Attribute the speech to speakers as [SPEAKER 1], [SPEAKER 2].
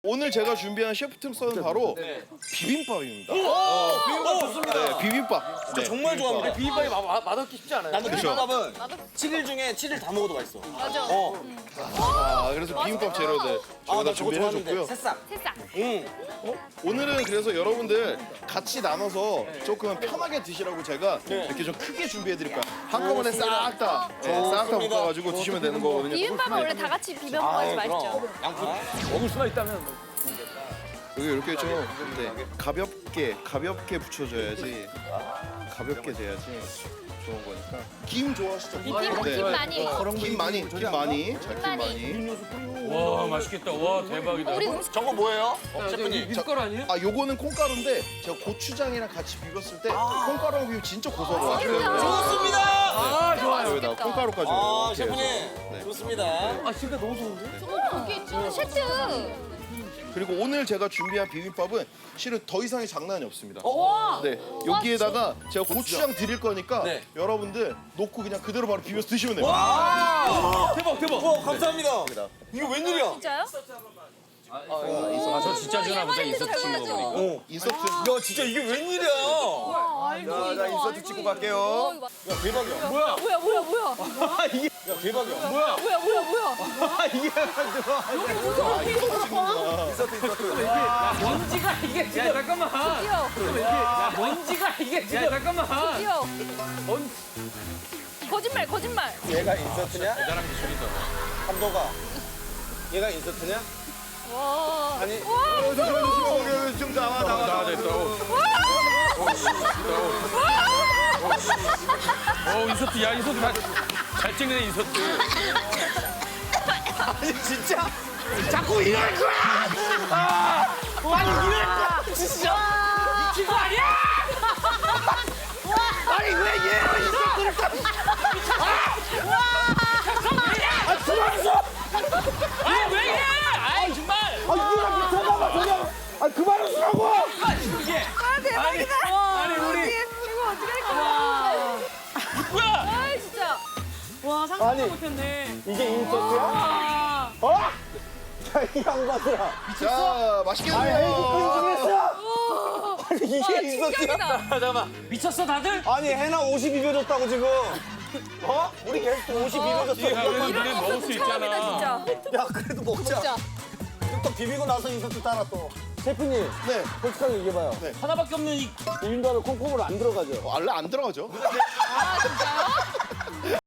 [SPEAKER 1] 오늘 제가 준비한 셰프 특선은 바로 비빔밥입니다.
[SPEAKER 2] 비빔밥 좋습니다.
[SPEAKER 1] 네, 비빔밥.
[SPEAKER 2] 저 정말 좋아합니다.
[SPEAKER 3] 비빔밥이 맛없기 쉽지 않아요.
[SPEAKER 2] 나는 비빔밥은 7일 중에 7일 다 먹어도 맛있어.
[SPEAKER 4] 맞아.
[SPEAKER 1] 그래서 비빔밥 재료들
[SPEAKER 2] 아,
[SPEAKER 1] 저희가
[SPEAKER 2] 나 저거
[SPEAKER 1] 준비를
[SPEAKER 2] 좋아하는데.
[SPEAKER 1] 해줬고요.
[SPEAKER 2] 새싹.
[SPEAKER 4] 새싹.
[SPEAKER 1] 오늘은 그래서 여러분들 같이 나눠서 조금 편하게 드시라고 제가 이렇게 좀 크게 준비해드릴 거예요. 한꺼번에 싹 다
[SPEAKER 2] 좋습니다.
[SPEAKER 1] 볶아가지고 드시면 되는 거거든요.
[SPEAKER 4] 비빔밥은 원래 다 같이 비벼 먹어야지 맛있죠.
[SPEAKER 3] 먹을 수만 있다면
[SPEAKER 1] 여기 이렇게 좀 가볍게 붙여줘야지. 가볍게 돼야지 좋은 거니까. 김 좋아하시죠?
[SPEAKER 4] 김 많이.
[SPEAKER 1] 김 많이. 자, 김 많이.
[SPEAKER 5] 와 맛있겠다. 와 대박이다.
[SPEAKER 4] 우리 음식
[SPEAKER 2] 저거 뭐예요? 셰프님.
[SPEAKER 3] 밀가루 아니에요?
[SPEAKER 1] 요거는 콩가루인데 제가 고추장이랑 같이 비볐을 때 콩가루랑 비비면 진짜 고소하더라고요.
[SPEAKER 2] 좋습니다.
[SPEAKER 3] 아 좋아요.
[SPEAKER 1] 여기다가 콩가루까지
[SPEAKER 2] 아,
[SPEAKER 1] 이렇게
[SPEAKER 2] 셰프님.
[SPEAKER 1] 해서.
[SPEAKER 2] 좋습니다.
[SPEAKER 3] 아 진짜 너무 좋은데?
[SPEAKER 4] 고기 좀 세트.
[SPEAKER 1] 그리고 오늘 제가 준비한 비빔밥은 실은 더 이상의 장난이 없습니다. 네,
[SPEAKER 4] 어,
[SPEAKER 1] 여기에다가 제가 고추장 드릴 거니까
[SPEAKER 2] 네.
[SPEAKER 1] 여러분들 놓고 그냥 그대로 바로 비벼서 드시면 돼요.
[SPEAKER 3] 대박 대박.
[SPEAKER 2] 와, 감사합니다. 이거 웬일이야?
[SPEAKER 4] 진짜요?
[SPEAKER 5] 저 진짜 주나 보자 인서트 찍는 거 보니까.
[SPEAKER 1] 인서트.
[SPEAKER 2] 야, 진짜 이게 웬일이야?
[SPEAKER 4] 자, 인서트 찍고 갈게요.
[SPEAKER 2] 야, 대박이야.
[SPEAKER 4] 뭐야?
[SPEAKER 2] 야, 대박이야.
[SPEAKER 4] 뭐야?
[SPEAKER 5] 먼지가 이게 진짜 잠깐만.
[SPEAKER 4] 뛰어.
[SPEAKER 5] 야 먼지가 이게 진짜 잠깐만.
[SPEAKER 4] 뛰어. 거짓말.
[SPEAKER 2] 얘가 인서트냐?
[SPEAKER 5] 대단한 기술이다.
[SPEAKER 2] 감독아. 얘가 인서트냐?
[SPEAKER 4] 와.
[SPEAKER 2] 아니.
[SPEAKER 1] 좀 나와.
[SPEAKER 5] 됐다. 인서트 야 인서트 잘 찍네 인서트.
[SPEAKER 2] 아니, 진짜?
[SPEAKER 5] 자꾸 이럴 거야.
[SPEAKER 2] 아니, 이럴 거야. 진짜.
[SPEAKER 5] 미친 거 아니야?
[SPEAKER 2] 아니, 왜 얘를 인서트를 까?
[SPEAKER 5] 왜 이래? 아이 정말.
[SPEAKER 2] 이거랑 미쳐봐봐, 저냥. 그만하시라고!
[SPEAKER 5] 아니 우리
[SPEAKER 4] 이거 어떻게 할 거야?
[SPEAKER 5] 뭐야?
[SPEAKER 4] 아 진짜.
[SPEAKER 6] 와 상상도 못했네.
[SPEAKER 2] 이게 인서트야?
[SPEAKER 6] 아,
[SPEAKER 2] 어? 야, 이 양반들아.
[SPEAKER 1] 자, 맛있게
[SPEAKER 2] 아니,
[SPEAKER 1] 드세요.
[SPEAKER 2] 헤이즈 끈 아니, 이게 인서트야?
[SPEAKER 4] 충격이다.
[SPEAKER 5] 잠깐만. 미쳤어 다들?
[SPEAKER 2] 아니, 해나 옷이 비벼졌다고, 지금. 어? 우리 게스트 옷이 비벼졌어.
[SPEAKER 5] 야 우리 눈에 먹을 수
[SPEAKER 4] 처음이다
[SPEAKER 5] 있잖아.
[SPEAKER 4] 진짜.
[SPEAKER 2] 야, 그래도 먹자.
[SPEAKER 4] 진짜.
[SPEAKER 2] 또 비비고 나서 인서트 따라 또. 셰프님,
[SPEAKER 1] 네,
[SPEAKER 2] 솔직하게 얘기해봐요.
[SPEAKER 5] 하나밖에 없는 이
[SPEAKER 2] 비빔밥에 콩콩으로 안 들어가죠?
[SPEAKER 1] 원래 안 들어가죠.
[SPEAKER 4] 아 진짜.